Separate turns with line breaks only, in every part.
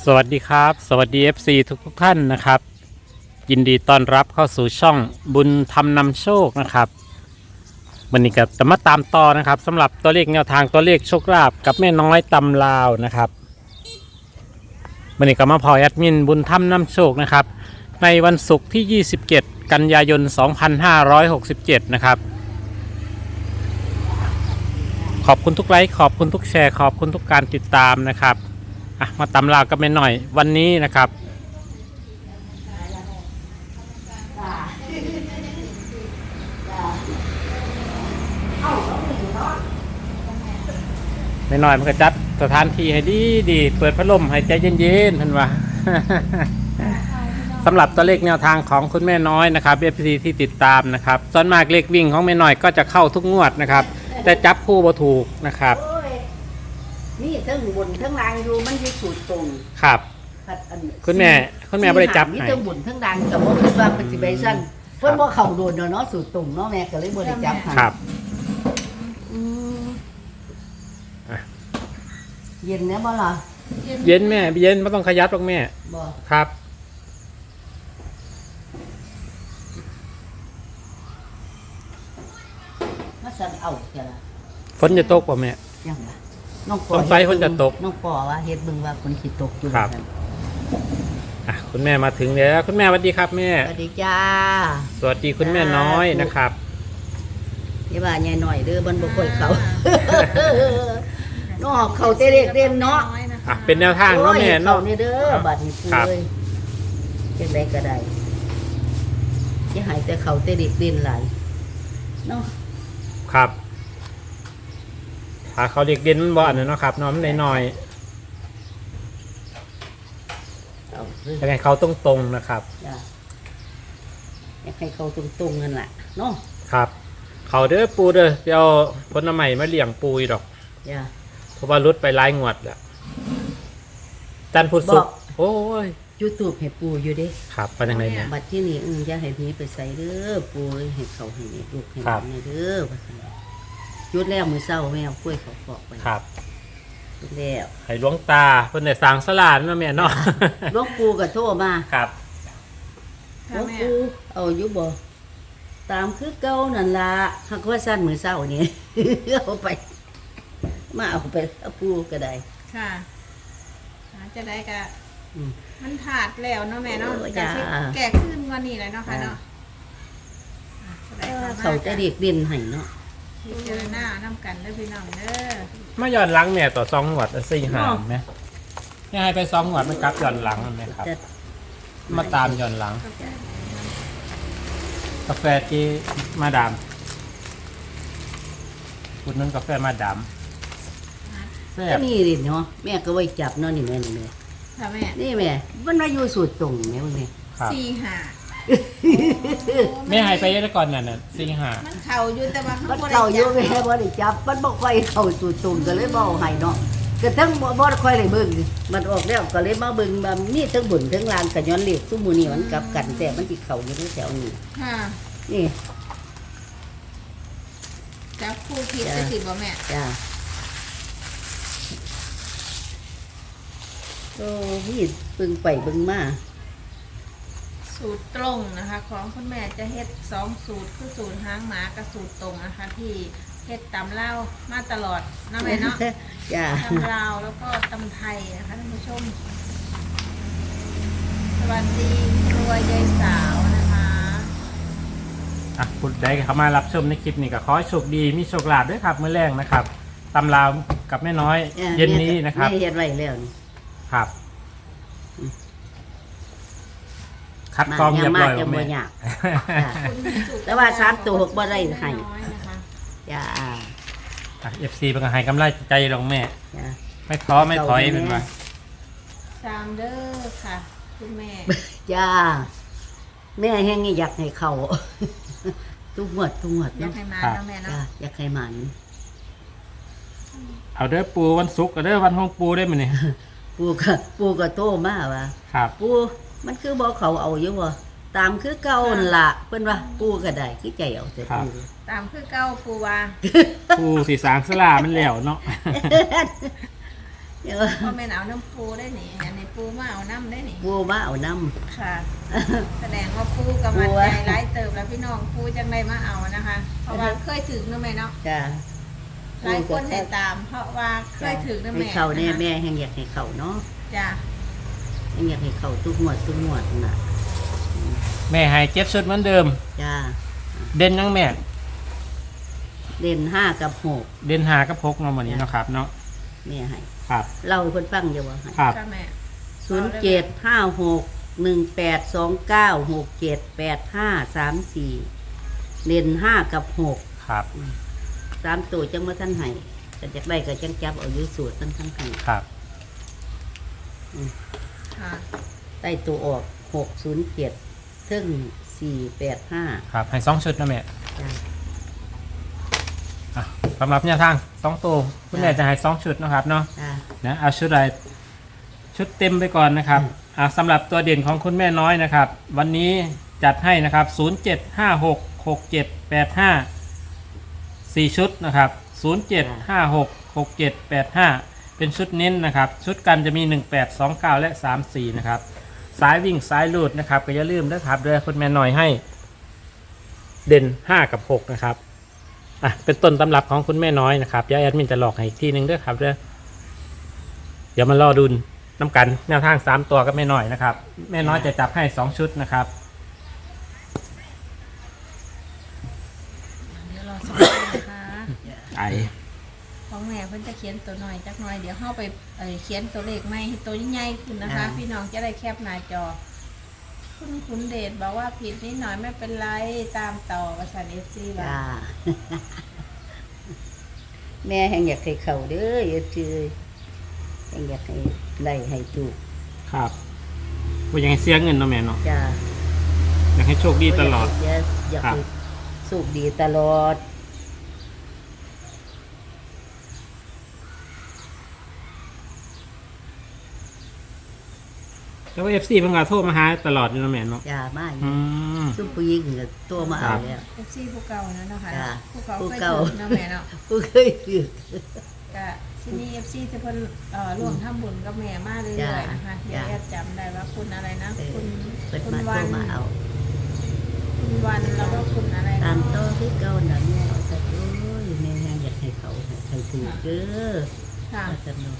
สวัสดีครับสวัสดี FC ทุกท่านนะครับยินดีต้อนรับเข้าสู่ช่องบุญธรรมนำโชคนะครับวันนี้ก็จะมาตามต่อนะครับสำหรับตัวเลขแนวทางตัวเลขโชคลาภกับแม่น้อยตำลาวนะครับวันนี้ก็มาพอแอดมินบุญธรรมนำโชคนะครับในวันศุกร์ที่ 27 กันยายน 2567 นะครับขอบคุณทุกไลค์ขอบคุณทุกแชร์ขอบคุณทุกการติดตามนะครับมาตำลาวกันไปหน่อยวันนี้นะครับไม่น้อยมันก็จัดสถานที่ให้ดีเปิดพัดลมให้ใจเย็นๆท่านว่า สำหรับตัวเลขแนวทางของคุณแม่น้อยนะครับ FC ที่ติดตามนะครับส่วนมากเลขวิ่งของแม่น้อยก็จะเข้าทุกงวดนะครับแต่จับคู่บ่ถูกนะครับ
นี่ทั้งบนทั้งล่างอยู่มันจะสูตรตรง
ครับคุณแม่ไม่ได้จับ
นี่
ให้
ทั้งบนทั้งล่างกับว่าคิดว่าเป็นสิเบชั่นเพิ่นบ่เข้าโดนเนาะสูตรตรงเนาะแม่ก็เลยบ่ได้จับให้
ครับ
เย็นเนี่ยบ่ล่ะ
เย็นแม่เย็นไม่ต้องขยับหรอกแม่
บ่
ครับ
มาสั่นเอาแค่ละ
ฝนจะตกป่ะแม่
ยังล่ะน้องปอ
สงสัยฝนจะตก
น้องปอว่าเฮ็ดเบิ่งว่าฝนสิตกอยู่
ครับคุณแม่มาถึงแล้วคุณแม่สวัสดีครับแม่
สวัสดีจ้า
สวัสดีคุณแม่น้อยนะครับ
อย่าว่าใหญ่หน่อยเด้อมันบ่ค่อยเข้าน้อเข้าแต่เด็กเรียนเนาะ
เป็นแนวทางเนาะแม่เนาะ
นี่เด้อบัดนี้ปูเลยจังได๋ก็ได้สิหายแต่เข้าแต่เด็กเรียนหลายเนาะ
ครับถ้าเขาเด็กเด่นมันบ่อันนั้นเนาะครับน้องมันน้อยๆยังไงเขาตรงๆนะครับ
อยากให้เขาตรงๆนั่นแหละเนาะ
ครับเขาเด้อปูเด้อเดี๋ยวผลใหม่มาเลี้ยงปูอีดอกเพราะว่ารุดไปหลายงวดแล้วจันพุทธสุขโอ้ย
YouTube ให้ปูอยู่เด้
ครับเป็นยังไงเนี่ย
บัดที่นี่อย่าให้ผีไปใส่เด้อปูให้เขาให้ลูกให้หลานเด้อว่าซั่นยุดแล้วมื้อเช้าแม่เอากล้วยเขาปอกไป
ครับ
ยุดแล้ว
ให้หลวงตาเพิ่นได้สร้างศาลาเนาะแม่เนาะ
หลวงปู่ก็โทรมา
ครับ
หลวงปู่เอาอยู่บ่ตามคือเก่านั่นล่ะหักว่าซั่นมื้อเช้านี่เอาไปมาเอาไปเอาปูก็ได้
ค่ะจะได้ก็มันถาดแล้วเนาะแม่เนาะจะแก่ขึ้นกว่านี้เลยเนาะค่ะเนาะ
เขาจะเรียกเรียนให้เนาะ
เจอหน้าน้ำกันได้พี่น้องเด้อ
มาย้อนหลังแม่ต่อ2งวด4หามไหมนี่ให้ไป2งวดมันกลับย้อนหลังไหมครับมาตามย้อนหลังกาแฟที่มาดามคุณนั่นกาแฟมาดาม
นี่ดิเนาะแม่ก็ไว้จับเนาะนี่แม่
ค่ะแม่
นี่แม่มันมาอยู่สูตรตรงแม่พวกนี้
4 หา
แม่หายไปได้ก่อนนั่นน่ะ4 หา
มันเข่าอยู่แต่ว่า
มันเข่าอยู่แม่บ่ได้จับมันบ่ค่อยเข้าสูตรตรงก็เลยบ่ให้เนาะกระทั่งบ่ค่อยได้เบิ่งมันออกแล้วก็เลยมาเบิ่งว่ามีทั้งบุญทั้งลานก็ย้อนเลขซุมื้อนี้มันกลับกันแต่มันสิเข้าอยู่ในแถวนี้
ค่ะ
นี่
จับคู่ผิดได้สิบ่แม่
จ้าโอ้พี่เบิ่งไปเบิ่งมา
สูตรตรงนะคะของคุณแม่จะเฮ็ด2สูตรคือสูตรหางหมากับสูตรตรงนะคะที่เฮ็ดตำเล่ามาตลอดนะแม่เนาะตำลาวแล้วก็ตำไทยนะคะท่านผู้ชมสวัสดีครัวยายสาวนะคะ
คุณได้เข้ามารับชมในคลิปนี้ก็ขอให้โชคดีมีโชคลาภด้วยครับมื้อแรกนะครับตำลาวกับแม่น้อยเย็นนี้นะครับ
เฮ็ดไว้แล้วนี่
ครับคัดกรองเรียบร้อยแล้วแม่
แต่ว่า3 ตัว6บ่ได้ให้จ้า
FC เป็นก็ให้กำไรใจลงแม่ไม่ท้อไม่ถอยเป็นว่า
3เด้อค่ะคุณแม่
จ้าแม่แห้งอยากให้เขาทุกหมด
อยากให้มาเนาะแม่เนาะ
อยากให้มัน
เอาเด้อปูวันศุกร์กับเด้อวันห้องปูได้มั้ยเนี่ย
ปูก็โตมาว่าปูมันคือบ่เขาเอาอยู่บ่ตามคือเก่านั่นล่ะเพิ่นว่าปูก็ได้คือใจเอาแต่ปู
ตามคือเก่าปูว่า
ปูสิสร้างศาลามันแล้วเนาะ
พ่อแม่นเอาน้ำปูได้หนิอันนี้ปูมาเอาน้ำได้หนิ
ปูมาเอาน้
ค่ะ แสดงว่าปูกำลังใจร้ายเติบแล้วพี่น้องปูจังไดมาเอานะคะ เพราะว่าเคยถึงนะแม่เนาะ
ำจ้า
หลายคนให้ตาม เพราะว่าเคยถึงนะ
ให้
แม่
เขาเนี่ยแม่แห่งอยากให้เขาเนาะ
จ้ะ
แห่งอยากให้เขาทุกงวดน่ะ
แม่ให้เจ็ดชุดเหมือนเดิม
จ้า
เด่นยังแม่
เด่น5 กับ
เด่นหากับพกมาวันนี้เนาะครับเนาะ
6แม่ให้
ครับ
เล่าให้เพิ่นฟังอยู่ว่าให้
ครับ
ค่ะแม่
07561829678534เด่น5 กับ
ครับ
6 3ตัวจังว่าท่านให้ก็จักได้ก็จังจับเอาอยู่สูตรทั้งให้
ครับ
ค่ะ
ใต้ตัวออก607ถึง485
ครับให้2ชุดนะแม่
จ้า
อ่ะสำหรับแนวทาง2ตัวคุณแม่จะให้2ชุดเนาะครับเนาะ
จ้า
นะเอาชุดอะไรชุดเต็มไปก่อนนะครับสำหรับตัวเด่นของคุณแม่น้อยนะครับ วันนี้จัดให้นะครับ07566785 4ชุดนะครับ07566785เป็นชุดเน้นนะครับ ชุดกันจะมี1829และ34นะครับสายวิ่งสายลูดนะครับก็อย่าลืมนะครับด้วยคุณแม่น้อยให้เด่น5 กับ 6นะครับเป็นต้นตำรับของคุณแม่น้อยนะครับเดี๋ยวแอดมินจะหลอกให้อีกทีนึงด้วยครับเดี๋ยวมารอดุลน้ำกันแนวทาง3ตัวก็ไม่น้อยนะครับ แม่น้อยจะจับให้2ชุดนะครับ
เดี๋ยวรอสักครู่นะคะ
ไอ
ของแม่เพิ่นจะเขียนตัวหน่อยจักหน่อยเดี๋ยวเข้าไปเขียนตัวเลขใหม่ให้ตัวใหญ่ๆขึ้นนะคะ พี่น้องจะได้แคปหน้าจอคุณเดชบอกว่าผิดนิดหน่อยไม่เป็นไรตามต่อประสาน FC ว่า
จ้า แม่แห่งอยากให้เขาเด้ออย่าชื่อแห่งอยากให้ไล่ให้ถูก
ครับว่ายังให้เสียเงินเนาะแม่เนาะ
จ้า
อยากให้โชคดีตลอด
อยาก
ครับ
ให้สุขดีตลอด
แล้วว่า FC เพิ่งมาโทรมาหาตลอดอยู่เนาะแม่เนาะ
จ้ามาอยู่
อืม
ซุปผู้หญิงก็ตัวมาเอาแล้ว
FC ผู้เก่านะเนาะค่ะ
จ้ะ
ผู้เก่า
ผู้
เคย
เก่า
ถึงเนาะแม่เนาะ
ผู้เคยถือ
ก็ที่นี่ FC จะเพิ่นร่วมทำบุญกับแม่มาเรื่อยๆนะคะเดี๋ยวแอดจำได้ว่าคุณอะไรนะ
เออ
คุณ
เปิด
คุณ
มา
วั
ตัวน มาเอา
คุณวันแล้วก็คุณอะไร
ตาม
เนาะ
ต่อคือเก่าน่ะแม่เอาแต่โอ้ยแม่แห่งอยากให้เขาให้ถูกเด้อ
ค่ะ
ว่าสนุก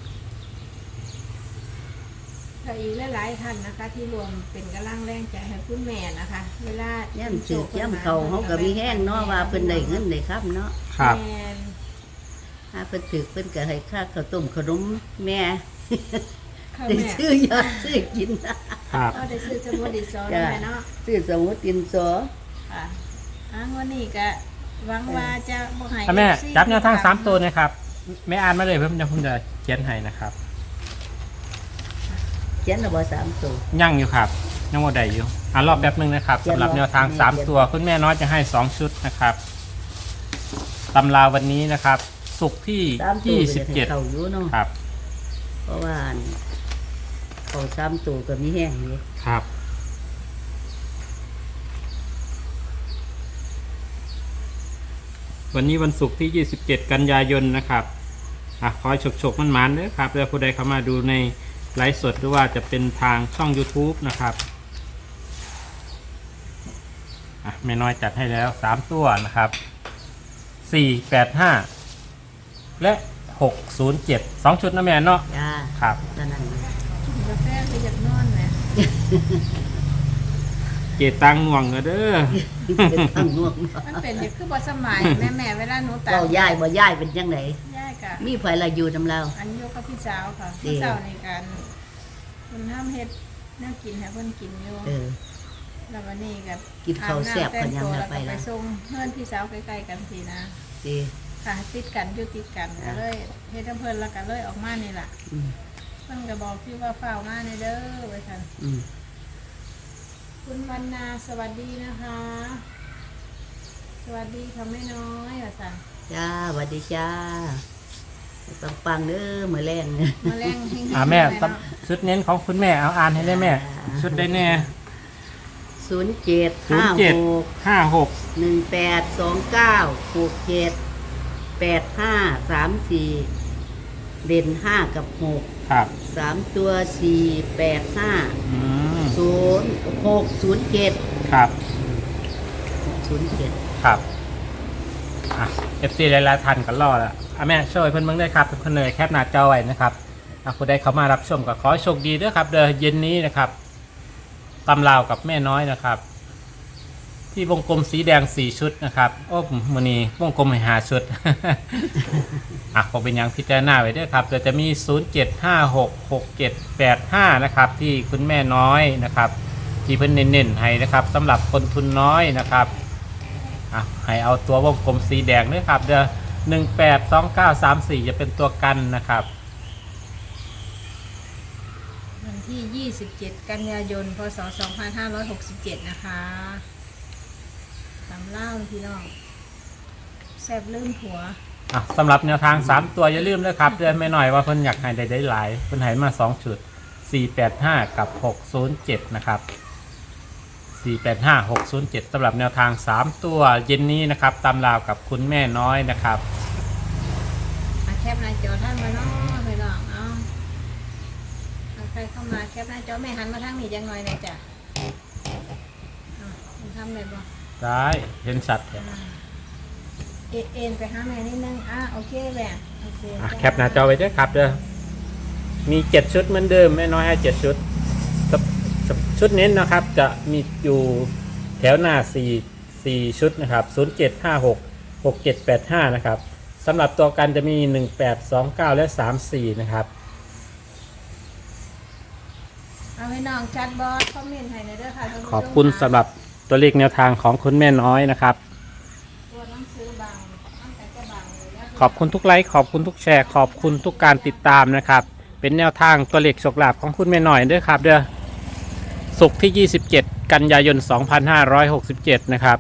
ก็อีกหลายๆท่านนะคะ ที่รวมเป็นกำลังแรงใจให้คุณแม่นะคะ เวลา
ย่ำสืบย่ำเขาเขาก็มีแห้งเนาะว่าเพิ่นได้เงินได้ครับเนาะ
ครับ
แม่น
ถ้าเพิ่นถือเพิ่นก็ให้ค่าข้าวต้มขนมแม่
ค่ะ
ได้
แม่
ซื้อยาซื้อกินนะครับ
ก็ได้ซื้อสมุดดิสอ
จ้ะ
แม่เนาะ
ซื้อสมุดดินสอ
ค่ะวันนี้ก็หวังว่าจะบ่ให้
ถ้าแม่
FC
จับแนวทาง3ตัวนะครับแม่อ่านมาเลยเพิ่มจะผมจะเขียนให้นะครับ
เขียนเอาบ่3ตัว
ยั่งอยู่ครับยังหมดได้อยู่รอบแป๊บนึงนะครับ
เขียน
สำหรับแนวทาง
เขียน
3ตัวคุณแม่น้อยจะให้2ชุดนะครับตำราวันนี้นะครับศุกร์ที่
3ตัวก็จะให้เข้า
27
อยู่เนาะ
ครับ
เพราะว่าเขา3ตัวก็มีแห้งอยู่
ครับ วันนี้วันศุกร์ที่ 27 กันยายนนะครับขอให้ฉกๆมันๆเด้อครับแล้วผู้ใดเข้ามาดูในไลฟ์สดหรือว่าจะเป็นทางช่อง YouTube นะครับแม่น้อยจัดให้แล้ว3ตัวนะครับ485และ607 2ชุดนะแม่เนาะ
จ้า
ครับ
เท่านั้นนะ
กินกาแฟคืออยากนอนแหม
เกตังง่วงก็เด้อ
เป็นทางง่วง
มันเป็นอยู่คือบ่สมัยแม่เวลาหนูตา
เว้าย้ายบ่ย้ายเป็นจังได
ย่ายกะ
มีไผละอยู่นำเรา
อันโยกับพี่สาวค่ะ
ดี
พี่สาวในการคุณห้ามเฮ็ดแนวกินให้เพิ่นกินอยู่
เออ
แล้ววันนี้ก็
กินข้าวแซ่บ
อา
กันยัง
ำ
ละ
แต่ง
ไป
ตัวแล้วก็
ละ
ไปส่งเพื่อนพี่สาวใกล้ๆกันทีนะ
ดี
ค่ะติดกันอยู่ติดกันก็เลยเฮ็ดน้ำเพิ่นแล้วก็เลยออกมานี่ล่ะ
อืม
เพิ่นก็บอกพี่ว่าเฝ้ามาในเด้อไว้ค่ะ
อืม
คุณวรรณาสวัสดีนะคะ สวัสดีค่ะแม่น้อยว่าซั่น
จ้าสวัสดีจ้าปังๆเด้อมื้อแรง
มาแรงเฮงๆ
แม่
เนาะ
ชุดเน้นของคุณแม่เอาอ่านให้ได้แม่ ชุดได้แน่
0756
56
1829 67 8534 เด่นห้ากับหก
ครับ
3 ตัว 485
อืม
0607
ครับ
607
ครับอ่ะ FC หลายๆท่านก็รอแล้วแม่ช่วยเพิ่นเบิ่งด้วยครับเพิ่นเลยแคปหน้าจอไว้นะครับผู้ใดเข้ามารับชมก็ขอให้โชคดีด้วยครับเดี๋ยวเย็นนี้นะครับตำราวกับแม่น้อยนะครับ ที่วงกลมสีแดง4ชุดนะครับโอ้มื้อนี้วงกลมให้5ชุด ผมเป็นยังพิจารณาไว้ด้วยครับเดี๋ยวจะมี07566785นะครับที่คุณแม่น้อยนะครับที่เพิ่นเน้นๆให้นะครับสำหรับคนทุนน้อยนะครับให้เอาตัววงกลมสีแดงด้วยครับเดี๋ยว182934จะเป็นตัวกันนะครับ
วันที่ 27 กันยายน พศ 2567 นะคะตำเล่าพี่น้องแซ่บลืมผัว
สำหรับแนวทาง3ตัวอย่าลืมด้วยครับเดือนไม่หน่อยว่าเพิ่นอยากให้ได้หลายเพิ่นให้มา2ชุด485กับ607นะครับ485 607สำหรับแนวทาง3ตัวเย็นนี้นะครับตามราวกับคุณแม่น้อยนะครับ
แคปหน้าจอท่านมาเนาะพี่น้องเอาใครเข้ามาแคปหน้าจอแม่หันมาทางนี้จังหน่อยหน่อยจ้ะทำได้บ่
ได้เห็นชัดเลย
เอ็นไปหาแม่นิดนึงโอเคแหละโอเค
แคปหน้าจอไว้ด้วยครับเด้อมี7ชุดเหมือนเดิมแม่น้อยให้7ชุดชุดเน้นนะครับจะมีอยู่แถวหน้า4ชุดนะครับ0756 6785นะครับสำหรับตัวกันจะมี1829และ34นะครับ
เอาให้น้องชัดบอสคอมเมนต์ให้หน่อยเด้อค่ะท่านผู้ชม
ขอบคุณสำหรับตัวเลขแนวทางของคุณแม่น้อยนะครับ
ตัวหนังสือบางตั้งแต่จะบางเลยนะ
ขอบคุณทุกไลค์ขอบคุณทุกแชร์ขอบคุณทุกการติดตามนะครับเป็นแนวทางตัวเลขโชคลาภของคุณแม่น้อยด้วยครับเด้อศุกร์ที่ 27 กันยายน 2567 นะครับ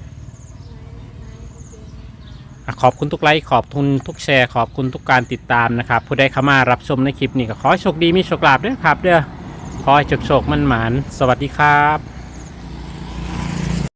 ขอบคุณทุกไลค์ขอบคุณทุกแชร์ขอบคุณทุกการติดตามนะครับผู้ใดเข้ามารับชมในคลิปนี้ก็ขอให้โชคดีมีโชคลาภด้วยครับเด้อขอให้โชคมันหมานสวัสดีครับ